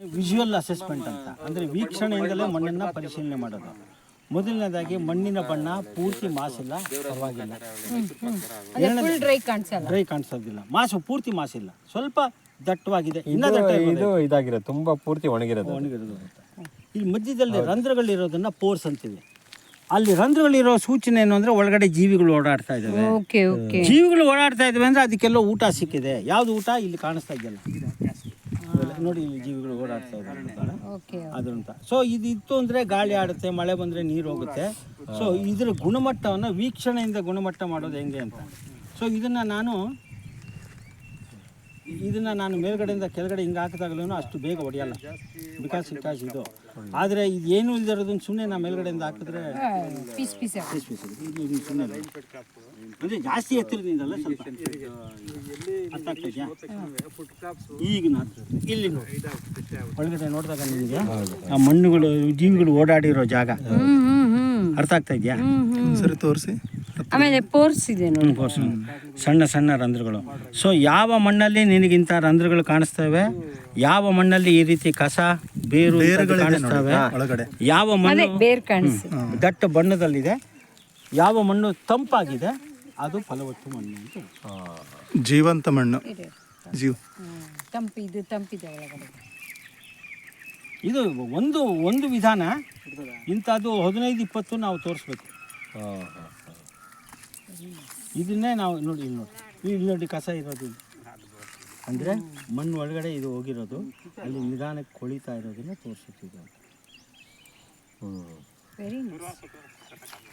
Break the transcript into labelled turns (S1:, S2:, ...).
S1: Visual assessment ಅಂತ, ಅಂದರೆ ವೀಕ್ಷಣೆಯಿಂದಲೇ ಮಣ್ಣನ್ನು ಪರಿಶೀಲನೆ ಮಾಡೋದು. ಮೊದಲನೇದಾಗಿ ಮಣ್ಣಿನ ಬಣ್ಣ ಪೂರ್ತಿ ಮಾಸಿಲ್ಲ, ಪರವಾಗಿಲ್ಲ, ಡ್ರೈ ಕಾಣಿಸೋದಿಲ್ಲ, ಮಾಸು ಪೂರ್ತಿ ಮಾಸಿಲ್ಲ, ಸ್ವಲ್ಪ ದಟ್ಟವಾಗಿದೆ,
S2: ಇದು ಇದಾಗಿರೋದು ತುಂಬಾ ಪೂರ್ತಿ ಒಣಗಿರೋದು.
S1: ಇಲ್ಲಿ ಮಧ್ಯದಲ್ಲಿ ರಂಧ್ರಗಳಿರೋದನ್ನ ಪೋರ್ಸ್ ಅಂತೀವಿ. ಅಲ್ಲಿ ರಂಧ್ರಗಳಿರೋ ಸೂಚನೆ ಏನು ಅಂದರೆ ಒಳಗಡೆ ಜೀವಿಗಳು ಓಡಾಡ್ತಾ ಇದ್ದಾವೆ. ಜೀವಿಗಳು ಓಡಾಡ್ತಾ ಇದ್ದಾವೆ ಅಂದರೆ ಅದಕ್ಕೆಲ್ಲ ಊಟ ಸಿಕ್ಕಿದೆ. ಯಾವುದು ಊಟ ಇಲ್ಲಿ ಕಾಣಿಸ್ತಾ ಇದೆಯಲ್ಲ ನೋಡಿ, ಇಲ್ಲಿ ಜೀವಿಗಳು ಓಡಾಡ್ತಾ ಇದ್ದಾರೆ ಅದಂತ. ಸೊ ಇದು ಇತ್ತು ಅಂದರೆ ಗಾಳಿ ಆಡುತ್ತೆ, ಮಳೆ ಬಂದರೆ ನೀರು ಹೋಗುತ್ತೆ. ಸೊ ಇದರ ಗುಣಮಟ್ಟವನ್ನು ವೀಕ್ಷಣೆಯಿಂದ ಗುಣಮಟ್ಟ ಮಾಡೋದು ಹೆಂಗೆ ಅಂತ. ಸೊ ಇದನ್ನು ನಾನು ಮೇಲ್ಗಡೆಯಿಂದ ಕೆಳಗಡೆ ಹಿಂಗೆ ಹಾಕಿದಾಗಲೂ ಅಷ್ಟು ಬೇಗ ಹೊಡೆಯಲ್ಲ, ಬಿಕಾಸ್ ಇದು. ಆದರೆ ಇದು ಏನು ಇಲ್ದಿರೋದನ್ನು ಸುಮ್ಮನೆ ನಾವು ಮೇಲ್ಗಡೆಯಿಂದ ಹಾಕಿದ್ರೆ ಪೀಸ್ ಸುಮ್ಮನೆ ಅಂದರೆ ಜಾಸ್ತಿ ಎತ್ತರದಿಂದಲ್ಲ, ಸ್ವಲ್ಪ ಅರ್ಥ ಆಗ್ತದೆಯಾ? ಈಗ ಇಲ್ಲಿ ಒಳಗಡೆ ನೋಡಿದಾಗ ನಿಮಗೆ ಆ ಮಣ್ಣುಗಳು ಜೀವಿಗಳು ಓಡಾಡಿರೋ ಜಾಗ ಅರ್ಥ ಆಗ್ತಾ ಇದೆಯಾ?
S3: ಸರಿ ತೋರಿಸಿ.
S4: ಆಮೇಲೆ ಪೋರ್ಸ್ ಇದೆ ನೋಡಿ,
S1: ಸಣ್ಣ ಸಣ್ಣ ರಂಧ್ರಗಳು. ಸೊ ಯಾವ ಮಣ್ಣಲ್ಲಿ ನಿನಗಿಂತ ರಂಧ್ರಗಳು ಕಾಣಿಸ್ತವೆ, ಯಾವ ಮಣ್ಣಲ್ಲಿ ಈ ರೀತಿ ಕಸ ಬೇರುಗಳು ಕಾಣಿಸ್ತವೆ, ಯಾವ ಮಣ್ಣು ದಟ್ಟ ಬಣ್ಣದಲ್ಲಿದೆ, ಯಾವ ಮಣ್ಣು ತಂಪಾಗಿದೆ, ಅದು ಫಲವತ್ತು ಮಣ್ಣು ಅಂತ.
S3: ಜೀವಂತ ಮಣ್ಣು,
S4: ತಂಪಿದೆ ಒಳಗಡೆ.
S1: ಇದು ಒಂದು ವಿಧಾನ. ಇಂಥದ್ದು 15-20 ನಾವು ತೋರಿಸ್ಬೇಕು. ಇದನ್ನೇ ನಾವು ಇಲ್ಲಿ ನೋಡಿ ಕಸ ಇರೋದು ಅಂದರೆ ಮಣ್ಣು ಒಳಗಡೆ ಇದು ಹೋಗಿರೋದು, ಅಲ್ಲಿ ನಿಧಾನಕ್ಕೆ ಕೊಳಿತಾ ಇರೋದನ್ನ ತೋರಿಸುತ್ತಿದೆ.
S4: Very nice.